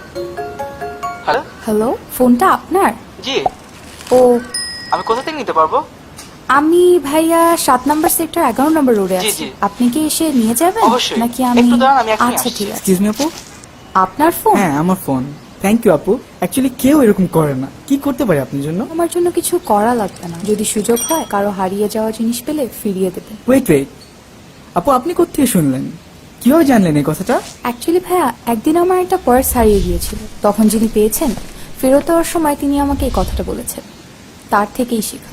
Hello. Hello, ফোনটা আপনার? জি। ও, আমি কোথা থেকে নিতে পারবো? আমি ভাইয়া 7 নম্বর সেক্টর 11 নম্বর রোডে জি, আছি। জি। আপনি কি এসে নিয়ে যাবেন? অবশ্যই। নাকি আমি? একটু দাঁড়ান, আমি এখনই আচ্ছা আসছি। ঠিক আছে। এক্সকিউজ মি আপু। আপনার ফোন? হ্যাঁ আমার ফোন। থ্যাংক ইউ আপু। অ্যাকচুয়ালি কেউ এরকম করে না। কি করতে পারি আপনার জন্য? আমার জন্য কিছু করা লাগবে না। যদি সুযোগ হয় কারো হারিয়ে যাওয়া জিনিস পেলে ফিরিয়ে দেবেন। ওয়েট ওয়েট, আপু আপনি কোত্থেকে শুনলেন? কিভাবে জানলেন এই কথাটা? অ্যাকচুয়ালি ভাইয়া, একদিন আমার একটা পার্স হারিয়ে গিয়েছিল। তখন যিনি পেয়েছেন, ফেরত দেওয়ার সময় তিনি আমাকে এই কথাটা বলেছেন। তার থেকেই শেখা।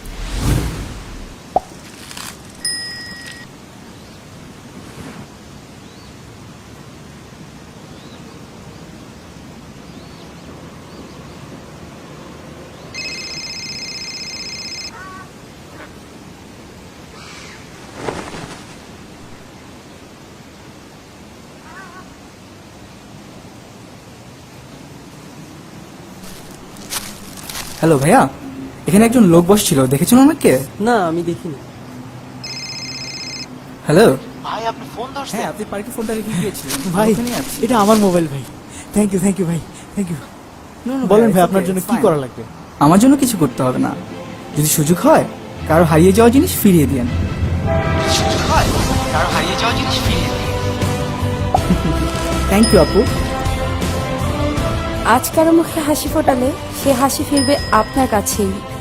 হ্যালো ভাইয়া, এখানে একজন লোক বসছিল, দেখেছেন আমাকে? না আমি দেখিনি। হ্যালো। ভাই আপনি ফোন ধরছেন? হ্যাঁ আপনি পার্কে ফোনটা রেখে গিয়েছিলেন। ভাই ওখানেই আছি। এটা আমার মোবাইল ভাই। থ্যাংক ইউ ভাই, থ্যাংক ইউ। No, no, বলেন ভাই it's আপনার okay, জন্য it's কি fine. করা লাগবে? আমার জন্য কিছু করতে হবে না। যদি সুযোগ হয় কারো হারিয়ে যাওয়া জিনিস ফিরিয়ে দিন। সুযোগ হয় কারো হারিয়ে যাওয়া জিনিস ফিরিয়ে দিন। থ্যাংক ইউ আপু। আজ কারো মুখে হাসি ফোটালে সে হাসি ফিরবে আপনার কাছেই।